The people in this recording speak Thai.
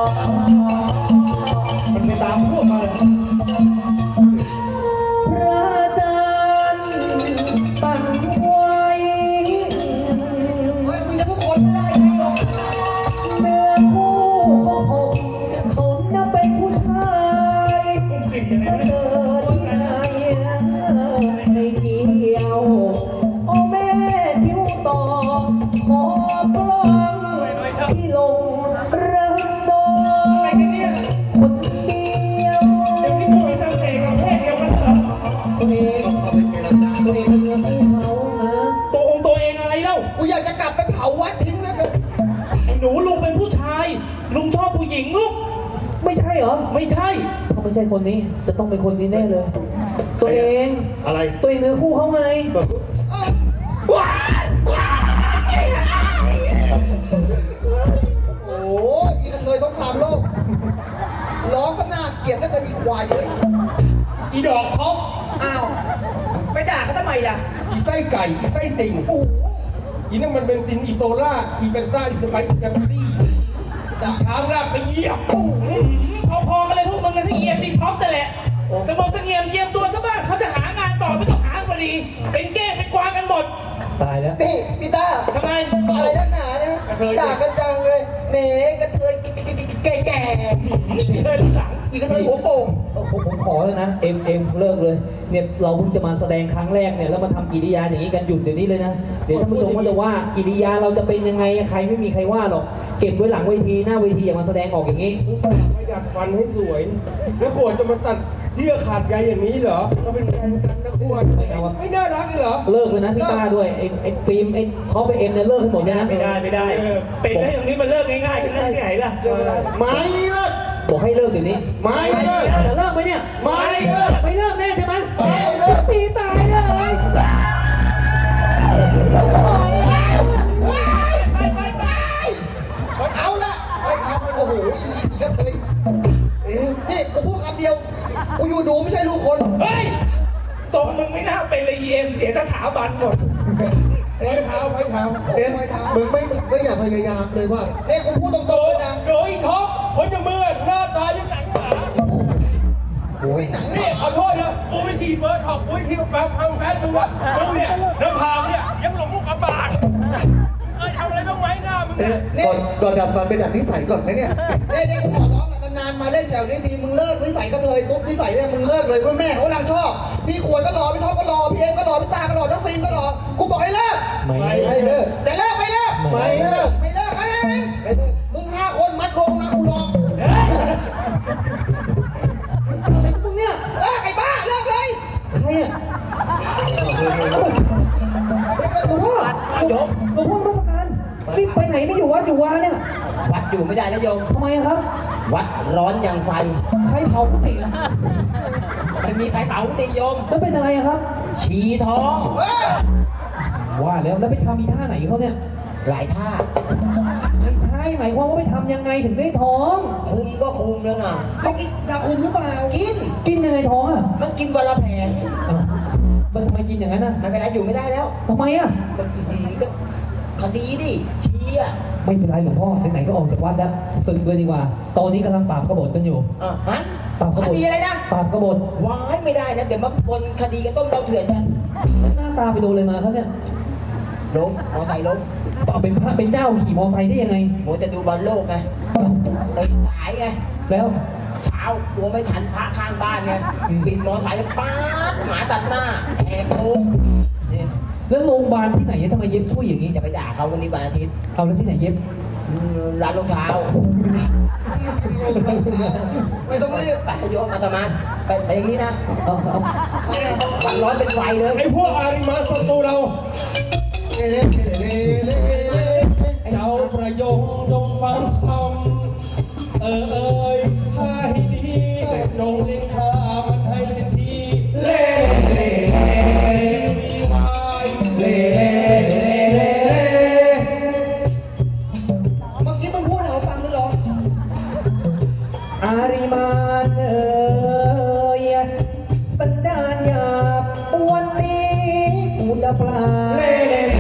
มันไปตามพวกมาเลยพระจันทร์สั่นไหวมึงจะทุกคนไม่ได้ไงหรอกเนื้อคู่ของผมเขานับเป็นผู้ชายถ้าเกิดที่ไหนไม่เกี่ยวโอ้แม่ทิ้วต่อขอปล้องที่ลงรักน้องคนเดียวตัวเองตัวเองเป็นเรื่องของเขานะตัวเองอะไรเล่ากูอยากจะกลับไปเผาวัดทิ้งแล้วกันไอ้หนูลุงเป็นผู้ชายลุงชอบผู้หญิงลูกไม่ใช่เหรอไม่ใช่เขาไม่ใช่คนนี้จะต้องเป็นคนนี้แน่เลย ตัวเองอะไรตัวเองเนื้อคู่เขาไงโอ้ยอีกันเลยต้องคามโลกร้องก็น่าเกลียดแล้วก็อีควายเลยอีดอกท็อปอ้าวไปด่าเขาทำไมล่ะอีไส้ไก่อีไส้ติ่งโอ้โหอีนั่นมันเป็นซินอีโซล่าอีเฟนต้าอีสไปอีแกมซี่อีช้างลากไปเหยียบพอๆกันเลยพวกมึงกันที่เอียมที่ท็อปนั่นแหละสมองเงียมเยียมตัวซะบ้างเขาจะหางานต่อไม่ต้องหาพอดีเป็นเก้เป็นกวางกันหมดตายแล้วนี่พี่ต้าทำไมอะไรนักหนาเนี่ยกระเทยด่ากันจังเลยแหมกระเทยแก่นี่เคยรู้จักๆอีกระเทยหัวโป่งผมขอแล้วนะเอ็มเลิกเลยเนี่ยเราเพิ่งจะมาแสดงครั้งแรกเนี่ยแล้วมาทำกิริยาอย่างนี้กันหยุดเดี๋ยวนี้เลยนะเดี๋ยวท่านผู้ชมก็จะว่ากิริยาเราจะเป็นยังไงใครไม่มีใครว่าหรอกเก็บไว้หลังเวทีหน้าเวทีอย่ามาแสดงออกอย่างนี้ไม่อยากฟันให้สวย แล้วขวดจะมาตัดเยื่อขาดใยอย่างนี้เหรอเราเป็นแฟนกันนะขวดไม่น่ารักเลยเหรอเลิกเลยนะพี่ต้าด้วยไอ้ฟิล์มไอ้ท็อปไอ้เอ็มเนี่ยเลิกให้หมดเลยนะไม่ได้เป็นได้อย่างนี้มันเลิกง่ายๆกันได้ที่ไหนล่ะไม่เลิกบอกให้เลิกเดี๋ยวนี้ไม่เลิกจะเลิกไหมเนี่ยไม่เลิกไม่เลิกแน่ใช่ไหมไม่เลิกตีตายเลยเอาละโอ้โหอีกระเทยนี่กูพูดคำเดียวกูอยู่ดูไม่ใช่ลูกคนเฮ้ยทรงมึงไม่น่าเป็นเลยเอ็มเสียสถาบันหมดไม้เท้าเอ็มมึงไม่อยากพยายามเลยว่าเนี่ยกูพูดตรงๆเลยนะโดยท็อปคนจะมือหน้าตายังหนังหนาโอ้ยหนังนี่ขอโทษนะกูไปฉีดเบอร์ท็อปกูไปที่แฟนมึงวะมึงเนี่ยน้ำพาวเนี่ยยังหลงลูกกระบาดทำอะไรบ้างไหมหน้ามึงเนี่ยก่อนดับฟันไปดับนิสัยก่อนไหมเนี่ยเนี่ยกูขอร้องนานๆมาเล่นแถวนี้ทีมึงเลิกนิสัยก็เลยตุ๊บนิสัยเนี่ยมึงเลิกเลยเพราะแม่เขากำลังชอบพี่ขวดก็รอพี่ท็อปก็รอพี่เอ็มก็รอพี่ตาก็รอน้องฟิล์มก็รอกูบอกให้เลิกไม่เลิกจะเลิกไม่เลิกไม่เลิกมึง5 คนมัดรวมนะกูรอมึงเนี่ยไอ้บ้าเลิกเลยใครอ่ะหลวงพ่อหลวงพ่อราชการนี่ไปไหนไม่อยู่วัดอยู่วาเนี่ยวัดอยู่ไม่ได้นะโยมทำไมครับวัดร้อนอย่างไฟใครเผากุฏิอะไม่มีใครเผาติโยมแล้วเป็นอะไรอะครับฉี่ท้องว่าแล้วไปทำอีท่าไหนเขาเนี่ยหลายท่าไม่ใช่หมายความว่าไปทำยังไงถึงได้ท้องคุมก็คุมแล้วนะเขากินยาคุมหรือเปล่ากินกินยังไงท้องอ่ะมันกินวันละแผงอ้าวมันทำไมกินอย่างนั้นอ่ะมันเป็นไรอยู่ไม่ได้แล้วทำไมอ่ะมันก็คดีดิชี้อ่ะไม่เป็นไรหลวงพ่อไหนๆก็ออกจากวัดแล้วศึกเลยดีกว่า ตอนนี้กำลังปราบกบฏกันอยู่ฮะปราบกคบฏดีอะไรนะปราบกบฏว้ายไม่ได้นะเดี๋ยวมาปนคดีกันต้มเราเถื่อนกันหน้าตาไปโดนเลยมาครับเนี่ยล้มมอไซค์ล้มเป็นพระเป็นเจ้าขี่มอไซค์ได้ยังไงโมจะดูบอลโลกไงตื่นสายไงแล้วเช้ากลัวไม่ทันพระข้างบ้านไงอืมบินมอไซค์ป๊าดหมาตัดหน้าแหกโค้งนี่แล้วโรงพยาบาลที่ไหนทำไมเย็บช่วยอย่างนี้จะไปด่าเขาวันนี้วันอาทิตย์เอาแล้วที่ไหนเย็บร้านรองเท้าไม่ต้องรีบไปโยมอาตมาไปอย่างนี้นะเอาวันร้อนเป็นไฟเลยไอ้พวกอาริมาศัตรูเราเจ้าประโยงจงฟังคำยถ้าให้ดีจงเล่นข้ามันให้เป็นทีเล่เล่มีวายเล่เล่เมื่อกี้มึงพูดให้เขาฟังหรือหรออาริมานสันดานหยาบวันนี้กูจะปลาเล่เล่